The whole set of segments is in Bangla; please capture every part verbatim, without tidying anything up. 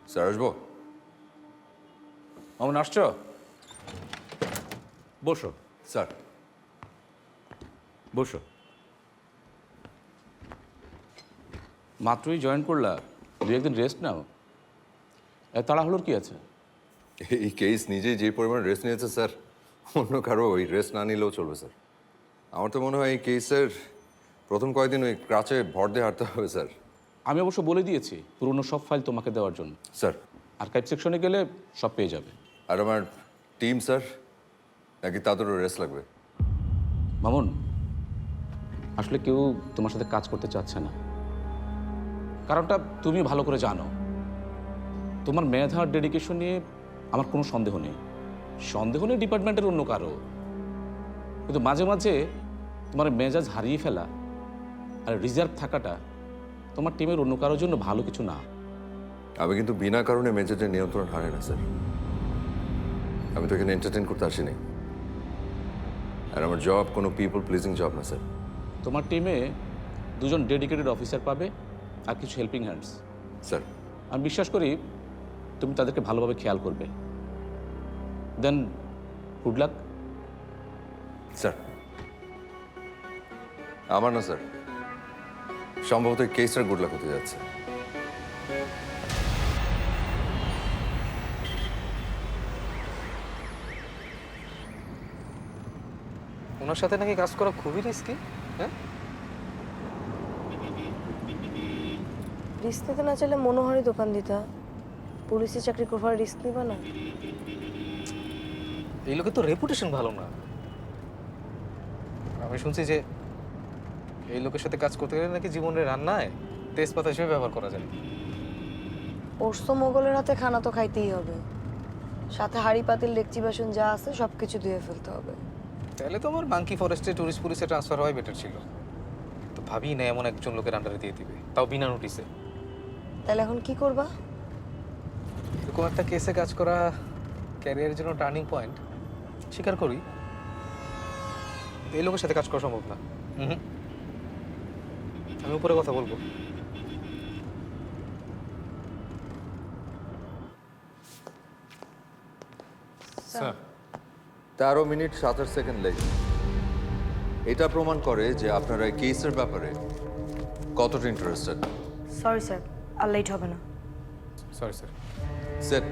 স্যার আসবো? অমন আসছ? বসো স্যার বসো। মাত্রই জয়েন করলা, দু একদিন রেস্ট নাও। এ তাড়াহুড়োর কি আছে? এই কেস নিজেই যে পরিমাণ রেস্ট নিয়েছে স্যার, অন্য কারো ওই রেস্ট না নিলেও চলবে স্যার। আমার তো মনে হয় এই কেসের প্রথম কয়েকদিন ওই ক্রাচে ভর দিয়ে হাঁটতে হবে স্যার। আমি অবশ্য বলে দিয়েছি পুরনো সব ফাইল তোমাকে দেওয়ার জন্য। স্যার আর্কাইভ সেকশনে গেলে সব পেয়ে যাবে। আর আমার টিম স্যার, নাকি তাদেরও রেস্ট লাগবে? মামুন, আসলে কেউ তোমার সাথে কাজ করতে চাচ্ছে না। কারণটা তুমি ভালো করে জানো। তোমার মেধা আর ডেডিকেশন নিয়ে আমার কোনো সন্দেহ নেই। সন্দেহ নেই ডিপার্টমেন্টের অন্য কারো। কিন্তু মাঝে মাঝে তোমার মেজাজ হারিয়ে ফেলা আর রিজার্ভ থাকাটা তোমার টিমের অন্য কারোর জন্য ভালো কিছু না। আমি কিন্তু বিনা কারণে মেজাজের নিয়ন্ত্রণ হারাই না স্যার। আমি তো এখানে এন্টারটেন করতে আসিনি। আর আমার জব কোনো পিপল প্লিজিং জব না স্যার। তোমার টিমে দুজন ডেডিকেটেড অফিসার পাবে আর কিছু হেল্পিং হ্যান্ডস। স্যার আমি বিশ্বাস করি তুমি তাদেরকে ভালোভাবে খেয়াল করবে। দেন গুড লাক। স্যার আমার না স্যার, সম্ভবত এই কেসটার গুড লাক হতে যাচ্ছে। ওনার সাথে নাকি কাজ করা খুবই রিস্কি। হ্যাঁ, রিস্ক নিতে না চাইলে মনোহরি দোকান দিতা। পুলিশে চাকরি করবার রিস্ক নিবা না? এই লোকের তো রেপুটেশন ভালো না। আমি শুনছি যে এই লোকের সাথে কাজ করতে গেলে নাকি জীবনের রান্নায় তেজপাতা হিসেবে ব্যবহার করা যায়। পোস্ত মোগলের হাতে খানা তো খাইতেই হবে, সাথে হাড়ি পাতিল ডেকচি বাসন যা আছে সব কিছু ধুয়ে ফেলতে হবে। তাহলে তো আমার মাঙ্কি ফরেস্টে টুরিস্ট পুলিশে ট্রান্সফার হওয়াই বেটার ছিল। তো ভাবি না এমন একজন লোকের আন্ডারে দিয়ে দিবে, তাও বিনা নোটিসে। তাহলে এখন কি করবা? এরকম একটা কেসে কাজ করা ক্যারিয়ারের জন্য টার্নিং পয়েন্ট, স্বীকার করি। এই লোকের সাথে কাজ করা সম্ভব না। হুম, আমি উপরে কথা বলবো। স্যার তেরো মিনিট সাতাশ সেকেন্ড লেগে, এটা প্রমাণ করে যে আপনারা এই কেসের ব্যাপারে কতটা ইন্টারেস্টেড। সরি স্যার, আর লেট হবে না। Sorry sir. সেট।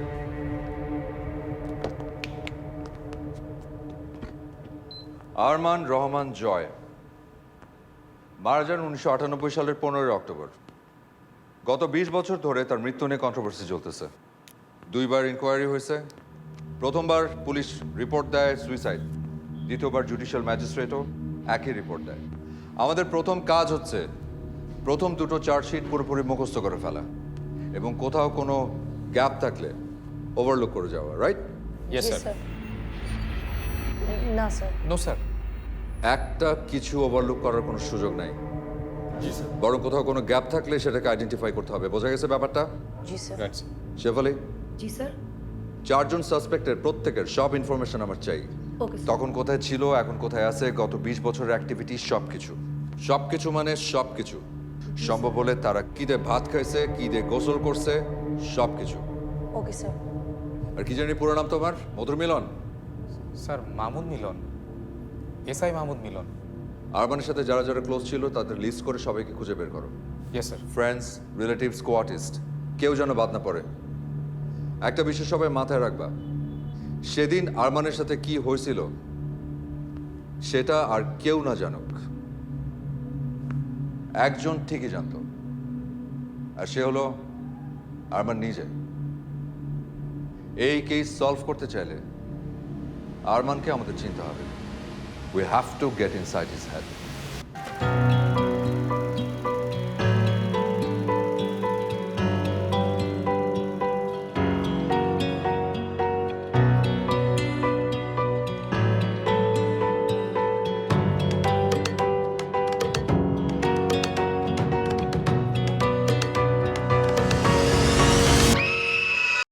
আরমান রহমান জয় মারা যান উনিশশো আটানব্বই সালের পনেরোই অক্টোবর। গত বিশ বছর ধরে তার মৃত্যু নিয়ে কন্ট্রোভার্সি চলতেছে। দুইবার ইনকোয়ারি হয়েছে। প্রথমবার পুলিশ রিপোর্ট দেয় সুইসাইড, দ্বিতীয়বার জুডিশিয়াল ম্যাজিস্ট্রেটও একই রিপোর্ট দেয়। আমাদের প্রথম কাজ হচ্ছে প্রথম দুটো চার্জশিট পুরোপুরি মুখস্থ করে ফেলা এবং কোথাও কোনো গ্যাপ থাকলে ওভারলুক করে যাওয়া, রাইট? ইয়েস জি স্যার। স্যার। না স্যার। No sir. একটা কিছু ওভারলুক করার কোনো সুযোগ নাই। জি স্যার। বরং কোথাও কোনো গ্যাপ থাকলে সেটাকে আইডেন্টিফাই করতে হবে। বোঝা গেছে ব্যাপারটা? জি স্যার। শেফালি, জি স্যার। চারজন সাসপেক্টের প্রত্যেকের সব ইনফরমেশন আমার চাই। Okay sir. তখন কোথায় ছিল, এখন কোথায় আছে, গত বিশ বছরের অ্যাক্টিভিটি সব কিছু। সব কিছু মানে সব কিছু। সম্ভব হলে তারা কি দিয়ে ভাত খাইছে, কি দিয়ে গোসল করছে, সব কিছু। Okay sir. আর কি জানি পুরো নাম তোমার? মধুর মিলন? Sir Mahmud Milon, SI Mahmud Milon. আরমানের সাথে যারা যারা ক্লোজ ছিল তাদের লিস্ট করে সবাইকে খুঁজে বের করো। Yes sir. ফ্রেন্ডস, রিলেটিভস, কোয়ার্টিস্ট, কেউ যেন বাদ না পড়ে। একটা বিষয় সবাই মাথায় রাখবা, সেদিন আরমানের সাথে কি হয়েছিল সেটা আর কেউ না জানুক, একজন ঠিকই জানতো, আর সে হলো আরমান নিজে। এই কেস সলভ করতে চাইলে আরমানকে আমাদের চিনতে হবে। We have to get inside his head.